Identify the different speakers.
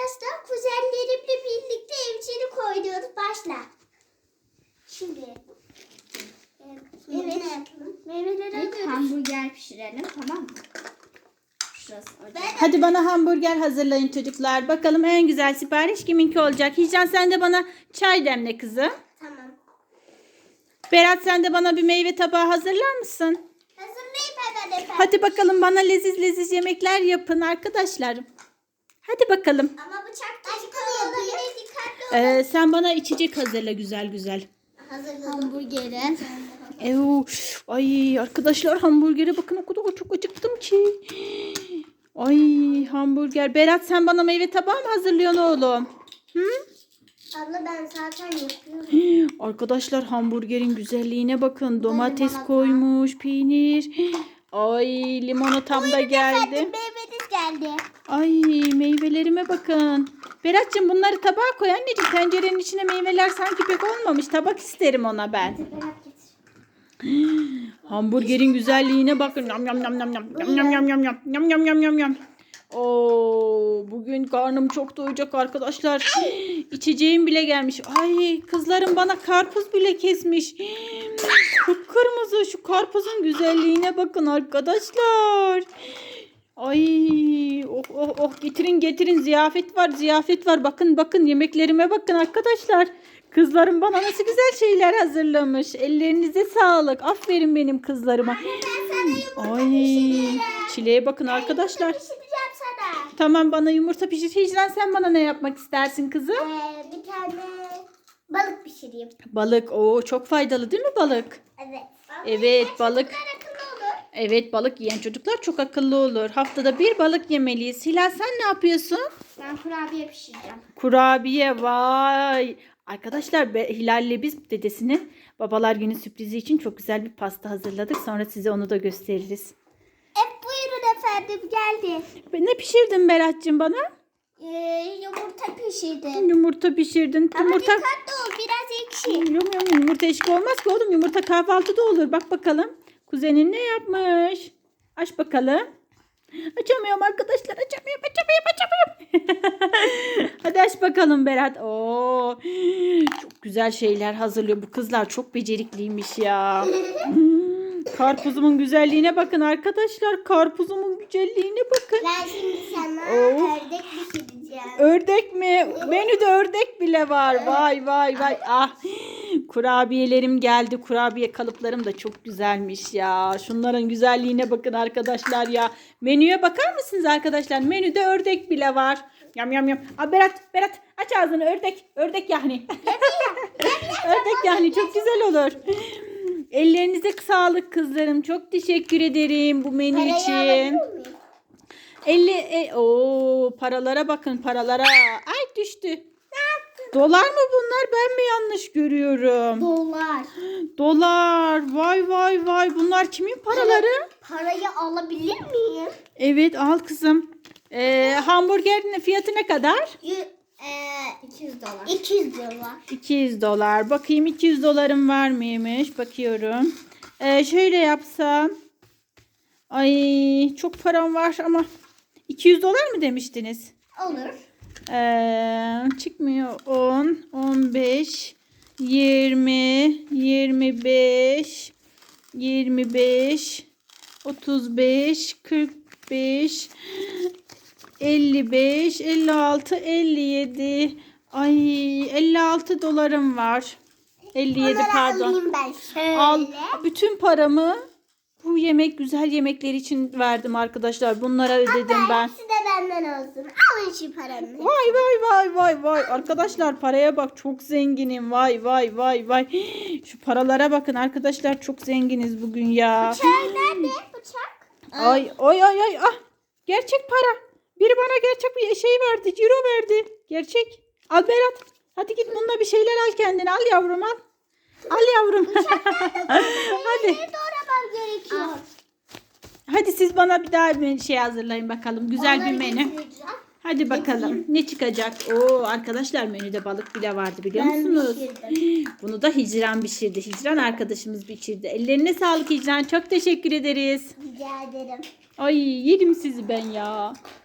Speaker 1: arkadaşlar kuzenlerimle birlikte evcilik oynuyoruz. Başla. Şimdi. Evet. Meyveleri alıyoruz.
Speaker 2: Hamburger pişirelim, tamam mı? Şurası ocak.
Speaker 3: Hadi bana hamburger hazırlayın çocuklar. Bakalım en güzel sipariş kiminki olacak? Hicran sen de bana çay demle kızım.
Speaker 1: Tamam.
Speaker 3: Berat sen de bana bir meyve tabağı hazırlar mısın?
Speaker 1: Hazırlayayım hemen efendim.
Speaker 3: Hadi bakalım bana leziz leziz yemekler yapın arkadaşlar. Hadi bakalım.
Speaker 1: Ama bıçak taşı olabilir. Dikkatli olun.
Speaker 3: Sen bana içecek hazırla güzel güzel.
Speaker 1: Hazırladım.
Speaker 2: Hamburgeri.
Speaker 3: Ay arkadaşlar hamburgere bakın o kadar çok acıktım ki. Ay hamburger. Berat sen bana meyve tabağı mı hazırlıyorsun oğlum? Hı?
Speaker 1: Abla ben zaten yapıyorum.
Speaker 3: Arkadaşlar hamburgerin güzelliğine bakın. Domates
Speaker 1: limonata.
Speaker 3: koymuş, peynir. Ay limonatam da geldi.
Speaker 1: Meyveniz geldi.
Speaker 3: Ay meyvelerime bakın. Berat'cığım bunları tabağa koy anneciğim. Tencerenin içine meyveler sanki pek olmamış. Tabak isterim ona ben.
Speaker 1: Berat getir.
Speaker 3: Hamburgerin güzelliğine bakın. Yam yam yam yam yam yam yam yam yam yam yam yam yam yam. Oo, bugün karnım çok doyacak arkadaşlar. İçeceğim bile gelmiş. Ay kızlarım bana karpuz bile kesmiş. Kıpkırmızı şu karpuzun güzelliğine bakın arkadaşlar. Ay oh oh oh getirin getirin ziyafet var ziyafet var. Bakın bakın yemeklerime bakın arkadaşlar. Kızlarım bana nasıl güzel şeyler hazırlamış. Ellerinize sağlık. Aferin benim kızlarıma. Ay çileğe bakın arkadaşlar.
Speaker 1: Pişireceğim sana.
Speaker 3: Tamam bana yumurta pişir. Hicran sen bana ne yapmak istersin kızım?
Speaker 1: Bir tane balık pişireyim.
Speaker 3: Balık. Oo çok faydalı değil mi balık?
Speaker 1: Evet.
Speaker 3: Evet balık.
Speaker 1: Çocuklar akıllı olur.
Speaker 3: Evet balık yiyen çocuklar çok akıllı olur. Haftada bir balık yemeliyiz. Hilal sen ne yapıyorsun?
Speaker 2: Ben kurabiye pişireceğim.
Speaker 3: Kurabiye vay. Arkadaşlar Hilal'le biz dedesinin babalar günü sürprizi için çok güzel bir pasta hazırladık. Sonra size onu da gösteririz.
Speaker 1: Buyurun efendim geldi.
Speaker 3: Ne pişirdin Berat'cığım bana?
Speaker 1: Yumurta pişirdim.
Speaker 3: Yumurta pişirdin.
Speaker 1: Ama
Speaker 3: Yumurta...
Speaker 1: dikkatli ol biraz ekşi.
Speaker 3: Yumurta eşki olmaz ki oğlum. Yumurta kahvaltıda olur. Bak bakalım. Kuzenin ne yapmış? Aç bakalım. Açamıyorum arkadaşlar. Açamıyorum. Hadi aç bakalım Berat. Oo, çok güzel şeyler hazırlıyor. Bu kızlar çok becerikliymiş ya. Karpuzumun güzelliğine bakın arkadaşlar. Karpuzumun güzelliğine bakın.
Speaker 1: Ben şimdi sana
Speaker 3: Oh.
Speaker 1: ördek pişireceğim.
Speaker 3: Ördek mi? Menüde ördek bile var. Vay vay vay. Ah. Kurabiyelerim geldi. Kurabiye kalıplarım da çok güzelmiş ya. Şunların güzelliğine bakın arkadaşlar ya. Menüye bakar mısınız arkadaşlar? Menüde ördek bile var. Yam yam yam. Aa, Berat aç ağzını ördek. Ördek yani. Ördek yani çok güzel olur. Ellerinize sağlık kızlarım. Çok teşekkür ederim bu menü
Speaker 1: Parayı
Speaker 3: için.
Speaker 1: alabilir miyim?
Speaker 3: Paralara bakın paralara. Ay düştü. Dolar mı bunlar? Ben mi yanlış görüyorum?
Speaker 1: Dolar.
Speaker 3: Dolar. Vay vay vay. Bunlar kimin paraları?
Speaker 1: Parayı alabilir miyim?
Speaker 3: Evet al kızım. Hamburgerin fiyatı ne kadar?
Speaker 1: 200 dolar. 200 dolar.
Speaker 3: 200 dolar. Bakayım 200 dolarım var mıymış? Bakıyorum. Şöyle yapsam. Ay çok param var ama 200 dolar mı demiştiniz?
Speaker 1: Olur.
Speaker 3: Çıkmıyor. 10, 15, 20, 25, 25, 35, 45, 55, 56, 57. Ay 56 dolarım var. 57
Speaker 1: Onları
Speaker 3: pardon.
Speaker 1: alayım ben şöyle.
Speaker 3: Al bütün paramı bu güzel yemekler için verdim arkadaşlar. Bunlara ödedim ben.
Speaker 1: Hepsi de benden olsun. Alın şu paranı.
Speaker 3: Vay vay vay vay vay. Arkadaşlar paraya bak çok zenginim. Vay vay vay vay. Şu paralara bakın arkadaşlar çok zenginiz bugün ya.
Speaker 1: Bıçak nerede? Bıçak.
Speaker 3: Ay ay ay ay. Ah, gerçek para. Biri bana gerçek bir şey verdi. Ciro verdi. Gerçek. Al Berat. Hadi git bununla bir şeyler al kendine. Al yavrum al. Al yavrum. Hadi.
Speaker 1: Doğramam gerekiyor.
Speaker 3: Hadi siz bana bir daha bir şey hazırlayın bakalım. Güzel bir
Speaker 1: Onları
Speaker 3: menü.
Speaker 1: getireceğim.
Speaker 3: Hadi bakalım ne çıkacak? Oo arkadaşlar menüde balık bile vardı biliyor musunuz?
Speaker 1: pişirdim.
Speaker 3: Bunu da Hicran pişirdi. Hicran arkadaşımız pişirdi. Ellerine sağlık Hicran. Çok teşekkür ederiz.
Speaker 1: Rica ederim.
Speaker 3: Ay yedim sizi ben ya.